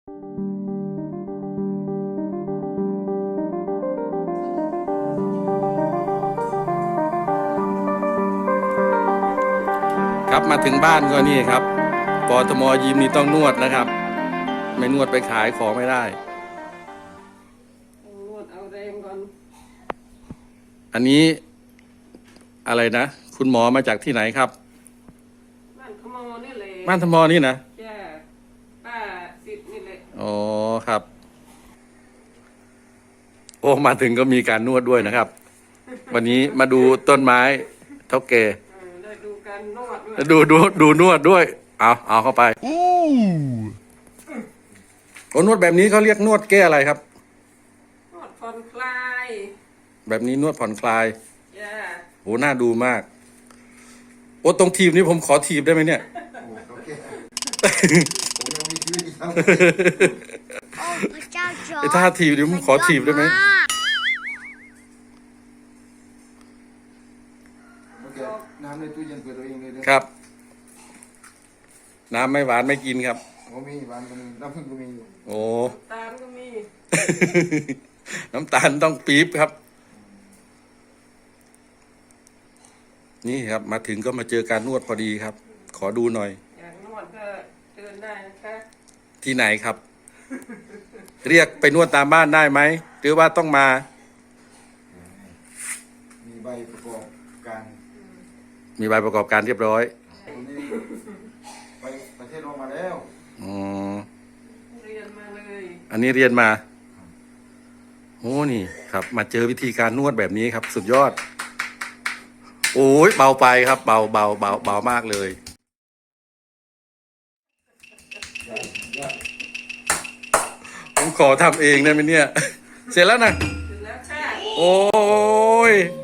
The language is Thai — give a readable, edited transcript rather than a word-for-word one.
ครับมาถึงบ้านก็นี่ครับปตม.ยิมนี่ต้องนวดนะครับไม่นวดไปขายของไม่ได้นวดเอาแรงก่อนอันนี้อะไรนะคุณหมอมาจากที่ไหนครับบ้านขมอนี่เลยบ้านธมอนี่นะจ้าป้าสิทธิ์นี่เลยอ๋อครับโอ้มาถึงก็มีการนวดด้วยนะครับวันนี้มาดูต้นไม้เท่าแก่ได้ดูการนวดด้วยดูนวดด้วยเอาเข้าไปโอ้นวดแบบนี้เขาเรียกนวดแก้อะไรครับนวดผ่อนคลายแบบนี้นวดผ่อนคลายจ้าโหน่าดูมากโอ้ตรงทีมนี้ผมขอทีบได้ไหมเนี่ยโอเคผมยังมีชีวิตอีกครับไอ้ท่าทีบเดี๋ยวผมขอทีบได้ไหมโอเคน้ำในตู้เย็นเปิดตัวเองเลยครับน้ำไม่หวานไม่กินครับผมมีหวานก็มีน้ำผึ้งก็มีอยู่โอ้ตาลก็มีน้ำตาลต้องปี๊บครับนี่ครับมาถึงก็มาเจอการนวดพอดีครับขอดูหน่อยอยากนวดก็เดินได้นะคะที่ไหนครับ เรียกไปนวดตามบ้านได้ไหมหรือว่าต้องมามีใบประกอบการมีใบประกอบการเรียบร้อยผมนี่ไปประเทศลงมาแล้วอ๋อเรียนมาเลยอันนี้เรียนมาโอ้นี่ครับมาเจอวิธีการนวดแบบนี้ครับสุดยอดโอ้ยเบาไปครับเบามากเลยผมขอทำเองได้ไหมเนี่ยเสร็จแล้วนะถึงแล้วค่ะโอ้ย